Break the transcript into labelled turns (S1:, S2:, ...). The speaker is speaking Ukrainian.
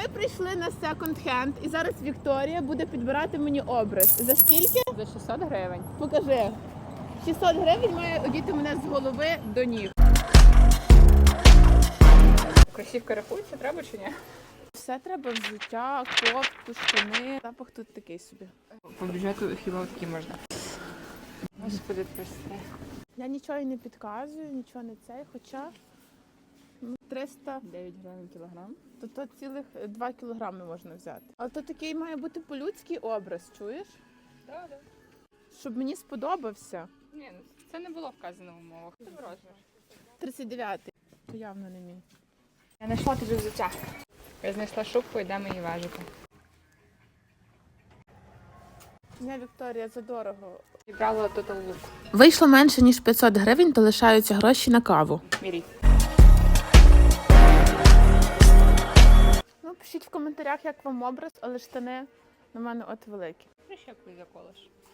S1: прийшли на секонд-хенд і зараз Вікторія буде підбирати мені образ. За скільки?
S2: За 600 гривень.
S1: Покажи. 600 гривень має одіти мене з голови до ніг.
S2: Кросівки рахуються, треба чи ні?
S1: Все треба: взуття, кофту, штани. Запах тут такий собі.
S2: По бюджету хіба такі можна. Господи, прости.
S1: Я нічого і не підказую, нічого не цей, хоча 300,
S2: 9 гривень кілограм.
S1: то цілих 2 кілограми можна взяти. Але то такий має бути по-людський образ, чуєш?
S2: Так, так.
S1: Щоб мені сподобався.
S2: Ні, ну це не було вказано в умовах. Це розмір.
S1: 39-й. То явно не мій.
S2: Я знайшла тобі взуття. Я знайшла шубку, йдемо її важити.
S1: Ні, Вікторія, задорого.
S2: Зібрала Total Look.
S1: Вийшло менше, ніж 500 гривень, то лишаються гроші на каву.
S2: Мірій.
S1: Ну, пишіть в коментарях, як вам образ, але штани на мене от великі.
S2: Прищепку заколиш.